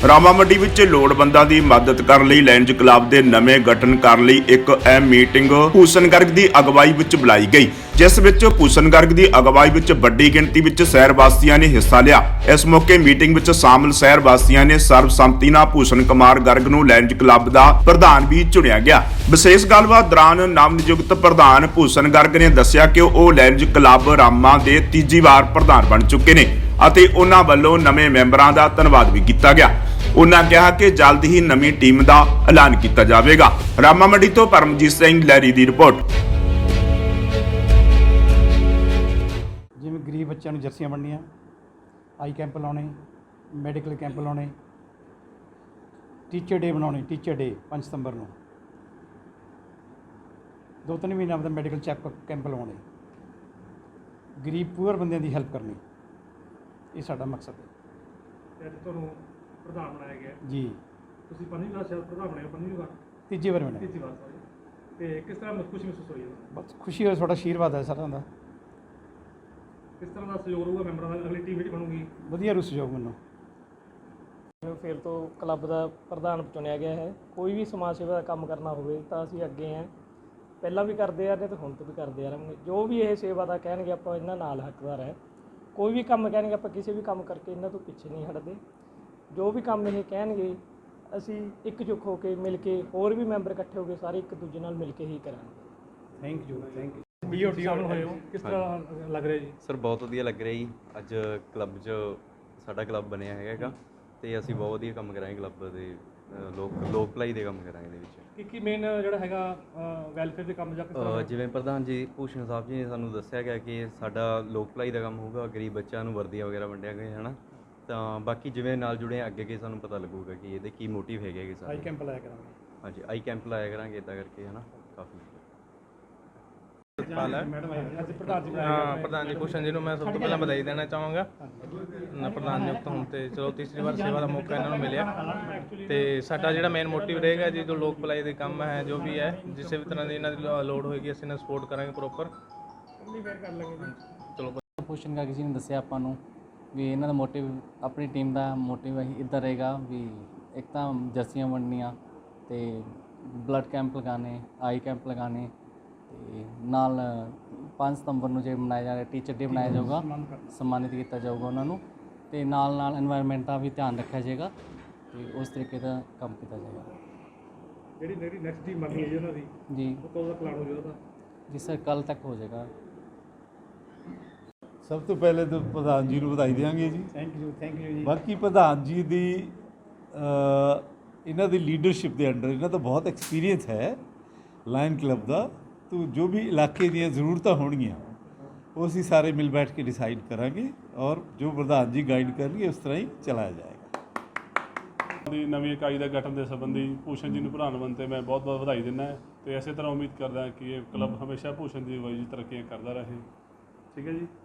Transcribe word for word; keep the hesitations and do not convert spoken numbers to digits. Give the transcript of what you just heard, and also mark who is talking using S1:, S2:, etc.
S1: ਰਾਮਾ ਮੰਡੀ ਵਿੱਚ ਲੋੜਵੰਦਾਂ ਦੀ ਮਦਦ ਕਰਨ ਲਈ ਲਾਇਨਜ਼ ਕਲੱਬ ਦੇ ਨਵੇਂ ਗਠਨ ਕਰਨ ਲਈ ਇੱਕ ਅਹਿਮ ਮੀਟਿੰਗ ਭੂਸ਼ਣ ਗਰਗ ਦੀ ਅਗਵਾਈ ਵਿੱਚ ਬੁਲਾਈ ਗਈ, ਜਿਸ ਵਿੱਚ ਭੂਸ਼ਣ ਗਰਗ ਦੀ ਅਗਵਾਈ ਵਿੱਚ ਵੱਡੀ ਗਿਣਤੀ ਵਿੱਚ ਸ਼ਹਿਰ ਵਾਸੀਆਂ ਨੇ ਹਿੱਸਾ ਲਿਆ। ਇਸ ਮੌਕੇ ਮੀਟਿੰਗ ਵਿੱਚ ਸ਼ਾਮਲ ਸ਼ਹਿਰ ਵਾਸੀਆਂ ਨੇ ਸਰਬਸੰਮਤੀ ਨਾਲ ਭੂਸ਼ਣ ਕੁਮਾਰ ਗਰਗ ਨੂੰ ਲਾਇਨਜ਼ ਕਲੱਬ ਦਾ ਪ੍ਰਧਾਨ ਵੀ ਚੁਣਿਆ ਗਿਆ। ਵਿਸ਼ੇਸ਼ ਗੱਲਬਾਤ ਦੌਰਾਨ ਨਵ ਨਿਯੁਕਤ ਪ੍ਰਧਾਨ ਭੂਸ਼ਣ ਗਰਗ ਨੇ ਦੱਸਿਆ ਕਿ ਉਹ ਲਾਇਨਜ਼ ਕਲੱਬ ਰਾਮਾ ਦੇ ਤੀਜੀ ਵਾਰ ਪ੍ਰਧਾਨ ਬਣ ਚੁੱਕੇ ਨੇ ਅਤੇ ਉਹਨਾਂ ਵੱਲੋਂ ਨਵੇਂ ਮੈਂਬਰਾਂ ਦਾ ਧੰਨਵਾਦ ਵੀ ਕੀਤਾ ਗਿਆ। ਉਹਨਾਂ ਕਿਹਾ ਕਿ ਜਲਦ ਹੀ ਨਵੀਂ ਟੀਮ ਦਾ ਐਲਾਨ ਕੀਤਾ ਜਾਵੇਗਾ। ਰਾਮਾ ਮੰਡੀ ਤੋਂ ਪਰਮਜੀਤ ਸਿੰਘ ਲਹਿਰੀ ਦੀ ਰਿਪੋਰਟ।
S2: ਜਿਵੇਂ ਗਰੀਬ ਬੱਚਿਆਂ ਨੂੰ ਜਰਸੀਆਂ ਵੰਡਣੀਆਂ, ਆਈ ਕੈਂਪ ਲਾਉਣੇ, ਮੈਡੀਕਲ ਕੈਂਪ ਲਾਉਣੇ, ਟੀਚਰ ਡੇ ਬਣਾਉਣੇ, ਟੀਚਰ ਡੇ ਪੰਜ ਸਤੰਬਰ ਨੂੰ ਦੋ ਤਿੰਨ ਮਹੀਨਿਆਂ ਦਾ ਮੈਡੀਕਲ ਚੈੱਕ ਕੈਂਪ ਲਾਉਣੇ, ਗਰੀਬ ਪੂਅਰ ਬੰਦਿਆਂ ਦੀ ਹੈਲਪ ਕਰਨੀ, ਇਹ ਸਾਡਾ ਮਕਸਦ ਹੈ।
S3: ਤੁਹਾਨੂੰ ਪ੍ਰਧਾਨ ਬਣਾਇਆ ਗਿਆ
S2: ਜੀ।
S3: ਤੁਸੀਂ ਪੰਜਵੀਂ ਵਾਰ ਸ਼ਾਇਦ ਪ੍ਰਧਾਨ ਬਣੇ ਹੋ, ਪੰਜਵੀਂ ਵਾਰ
S2: ਤੀਜੀ ਵਾਰ ਬਣਿਆ।
S3: ਤੀਜੀ ਵਾਰ ਸੌਰੀ। ਤੇ ਕਿਸ ਤਰ੍ਹਾਂ ਖੁਸ਼ੀ ਮਹਿਸੂਸ ਹੋਈ ਹੈ?
S2: ਬਸ ਖੁਸ਼ੀ ਹੋਈ, ਤੁਹਾਡਾ ਆਸ਼ੀਰਵਾਦ ਹੈ ਸਾਰਿਆਂ ਦਾ।
S3: ਕਿਸ ਤਰ੍ਹਾਂ ਦਾ ਸਹਿਯੋਗ ਰਹੂਗਾ ਮੈਂਬਰਾਂ ਦਾ? ਅਗਲੀ ਟੀਮ ਜਿਹੜੀ ਬਣੂਗੀ
S2: ਵਧੀਆ ਰੂ ਸਹਿਯੋਗ ਮੈਨੂੰ।
S4: ਫਿਰ ਤੋਂ ਕਲੱਬ ਦਾ ਪ੍ਰਧਾਨ ਚੁਣਿਆ ਗਿਆ ਹੈ। ਕੋਈ ਵੀ ਸਮਾਜ ਸੇਵਾ ਦਾ ਕੰਮ ਕਰਨਾ ਹੋਵੇ ਤਾਂ ਅਸੀਂ ਅੱਗੇ ਹਾਂ, ਪਹਿਲਾਂ ਵੀ ਕਰਦੇ ਆ ਰਹੇ ਤੇ ਹੁਣ ਤੋਂ ਵੀ ਕਰਦੇ ਆ ਰਹਾਂਗੇ। ਜੋ ਵੀ ਇਹ ਸੇਵਾ ਦਾ ਕਹਿਣਗੇ ਆਪਾਂ ਇਹਨਾਂ ਨਾਲ ਹੱਕਦਾਰ ਹੈ। ਕੋਈ ਵੀ ਕੰਮ ਕਹਿਣਗੇ ਆਪਾਂ ਕਿਸੇ ਵੀ ਕੰਮ ਕਰਕੇ ਇਹਨਾਂ ਤੋਂ ਪਿੱਛੇ ਨਹੀਂ ਹਟਦੇ। ਜੋ ਵੀ ਕੰਮ ਇਹ ਕਹਿਣਗੇ ਅਸੀਂ ਇਕਜੁੱਟ ਹੋ ਕੇ ਮਿਲ ਕੇ, ਹੋਰ ਵੀ ਮੈਂਬਰ ਇਕੱਠੇ ਹੋ ਕੇ ਸਾਰੇ ਇੱਕ ਦੂਜੇ ਨਾਲ ਮਿਲ ਕੇ ਹੀ ਕਰਾਂਗੇ।
S2: Thank you thank you.
S3: ਬੀਓਟੀ ਸ਼ਾਮਲ ਹੋਏ ਹੋ, ਕਿਸ ਤਰ੍ਹਾਂ ਲੱਗ ਰਿਹਾ ਜੀ?
S5: ਸਰ ਬਹੁਤ ਵਧੀਆ ਲੱਗ ਰਿਹਾ ਜੀ। ਅੱਜ ਕਲੱਬ 'ਚ ਸਾਡਾ ਕਲੱਬ ਬਣਿਆ ਹੈਗਾ ਤੇ ਅਸੀਂ ਬਹੁਤ ਵਧੀਆ ਕੰਮ ਕਰਾਂਗੇ ਕਲੱਬ ਦੇ, ਲੋਕ ਲੋਕ ਭਲਾਈ ਦੇ ਕੰਮ ਕਰਾਂਗੇ ਇਹਦੇ ਵਿੱਚ।
S3: ਕੀ ਕੀ ਮੇਨ ਜਿਹੜਾ ਹੈਗਾ ਵੈਲਫੇਅਰ ਦੇ ਕੰਮ ਜਾਂ ਕਿਸ ਤਰ੍ਹਾਂ?
S5: ਜਿਵੇਂ ਪ੍ਰਧਾਨ ਜੀ ਭੂਸ਼ਣ ਸਾਹਿਬ ਜੀ ਨੇ ਸਾਨੂੰ ਦੱਸਿਆ ਗਿਆ ਕਿ ਸਾਡਾ ਲੋਕ ਭਲਾਈ ਦਾ ਕੰਮ ਹੋਊਗਾ, ਗਰੀਬ ਬੱਚਿਆਂ ਨੂੰ ਵਰਦੀਆਂ ਵਗੈਰਾ ਵੰਡਿਆ ਗਏ ਹੈ ਨਾ। ਤਾਂ ਬਾਕੀ ਜਿਵੇਂ ਨਾਲ ਜੁੜੇ ਅੱਗੇ ਅੱਗੇ ਸਾਨੂੰ ਪਤਾ ਲੱਗੂਗਾ ਕਿ ਇਹਦੇ ਕੀ ਮੋਟਿਵ ਹੈਗੇ ਕਿ ਸਾਰੇ।
S2: ਆਈ ਕੈਂਪ ਲਾਇਆ ਕਰਾਂਗੇ।
S5: ਹਾਂਜੀ ਆਈ ਕੈਂਪ ਲਾਇਆ ਕਰਾਂਗੇ ਇੱਦਾਂ ਕਰਕੇ ਹੈ ਨਾ। ਕਾਫੀ
S3: ਅੱਜ ਪ੍ਰਧਾਨ ਜੀ
S6: ਹਾਂ ਪ੍ਰਧਾਨ ਜੀ ਭੂਸ਼ਣ ਜੀ ਨੂੰ ਮੈਂ ਸਭ ਤੋਂ ਪਹਿਲਾਂ ਵਧਾਈ ਦੇਣਾ ਚਾਹਾਂਗਾ ਨਾ ਪ੍ਰਧਾਨ ਨਿਯੁਕਤ ਹੋਣ ਤੇ। ਚਲੋ ਤੀਸਰੀ ਵਾਰ ਸੇਵਾ ਦਾ ਮੌਕਾ ਇਹਨਾਂ ਨੂੰ ਮਿਲਿਆ ਤੇ ਸਾਡਾ ਜਿਹੜਾ ਮੇਨ ਮੋਟਿਵ ਰਹੇਗਾ ਜੀ ਜੋ ਲੋਕ ਭਲਾਈ ਦੇ ਕੰਮ ਹੈ, ਜੋ ਵੀ ਹੈ ਜਿਸੇ ਵੀ ਤਰ੍ਹਾਂ ਦੀ ਇਹਨਾਂ ਦੀ ਲੋੜ ਹੋਏਗੀ ਅਸੀਂ ਇਹਨਾਂ ਸਪੋਰਟ ਕਰਾਂਗੇ ਪ੍ਰੋਪਰ।
S3: ਕਰ ਲਾਂਗੇ ਜੀ।
S6: ਚਲੋ
S7: ਭੂਸ਼ਣ ਗਰਗ ਜੀ ਨੇ ਦੱਸਿਆ ਆਪਾਂ ਨੂੰ ਵੀ ਇਹਨਾਂ ਦਾ ਮੋਟਿਵ, ਆਪਣੀ ਟੀਮ ਦਾ ਮੋਟਿਵ ਇੱਦਾਂ ਰਹੇਗਾ ਵੀ ਇੱਕ ਤਾਂ ਜਰਸੀਆਂ ਵੰਡਣੀਆਂ ਤੇ ਬਲੱਡ ਕੈਂਪ ਲਗਾਉਣੇ, ਆਈ ਕੈਂਪ ਲਗਾਉਣੇ ਤੇ ਨਾਲ ਪੰਜ ਸਤੰਬਰ ਨੂੰ ਜੇ ਮਨਾਇਆ ਜਾ ਰਿਹਾ ਟੀਚਰ ਡੇ ਮਨਾਇਆ ਜਾਊਗਾ, ਸਨਮਾਨਿਤ ਕੀਤਾ ਜਾਊਗਾ ਉਹਨਾਂ ਨੂੰ ਤੇ ਨਾਲ ਨਾਲ এনवायरमेंट ਦਾ ਵੀ ਧਿਆਨ ਰੱਖਿਆ ਜਾਏਗਾ ਤੇ ਉਸ ਤਰੀਕੇ ਦਾ ਕੰਮ ਕੀਤਾ ਜਾਏਗਾ।
S3: ਜਿਹੜੀ ਜਿਹੜੀ ਨੈਕਸਟ ਟੀਮ ਬਣਨੀ ਹੈ ਜੀ ਉਹਨਾਂ ਦੀ,
S7: ਜੀ
S3: ਉਹ ਕਦੋਂ ਦਾ ਪਲਾਨ ਹੋ ਗਿਆ ਉਹਦਾ?
S7: ਜੀ ਸਰ ਕੱਲ ਤੱਕ ਹੋ ਜਾਏਗਾ।
S8: ਸਭ ਤੋਂ ਪਹਿਲੇ ਤਾਂ ਪ੍ਰਧਾਨ ਜੀ ਨੂੰ ਵਧਾਈ ਦੇਵਾਂਗੇ ਜੀ।
S2: ਥੈਂਕ ਯੂ ਥੈਂਕ ਯੂ ਜੀ।
S8: ਬਾਕੀ ਪ੍ਰਧਾਨ ਜੀ ਦੀ ਇਹਨਾਂ ਦੀ ਲੀਡਰਸ਼ਿਪ ਦੇ ਅੰਡਰ ਇਹਨਾਂ ਦਾ ਬਹੁਤ ਐਕਸਪੀਰੀਅੰਸ ਹੈ ਲਾਇਨ ਕਲੱਬ ਦਾ। ਤੋ ਜੋ ਵੀ ਇਲਾਕੇ ਦੀਆਂ ਜ਼ਰੂਰਤਾਂ ਹੋਣਗੀਆਂ ਉਹ ਅਸੀਂ ਸਾਰੇ ਮਿਲ ਬੈਠ ਕੇ ਡਿਸਾਈਡ ਕਰਾਂਗੇ ਔਰ ਜੋ ਪ੍ਰਧਾਨ ਜੀ ਗਾਈਡ ਕਰਨਗੇ ਉਸ ਤਰ੍ਹਾਂ ਹੀ ਚਲਾਇਆ ਜਾਏਗਾ।
S9: ਦੀ ਨਵੀਂ ਇਕਾਈ ਦਾ ਗਠਨ ਦੇ ਸੰਬੰਧੀ ਭੂਸ਼ਣ ਜੀ ਨੂੰ ਪ੍ਰਧਾਨ ਬਣਨ 'ਤੇ ਮੈਂ ਬਹੁਤ ਬਹੁਤ ਵਧਾਈ ਦਿੰਦਾ ਅਤੇ ਇਸੇ ਤਰ੍ਹਾਂ ਉਮੀਦ ਕਰਦਾ ਕਿ ਇਹ ਕਲੱਬ ਹਮੇਸ਼ਾ ਭੂਸ਼ਣ ਦੀ ਅਗਵਾਈ 'ਚ ਤਰੱਕੀਆਂ ਕਰਦਾ ਰਹੇ। ਠੀਕ ਹੈ ਜੀ।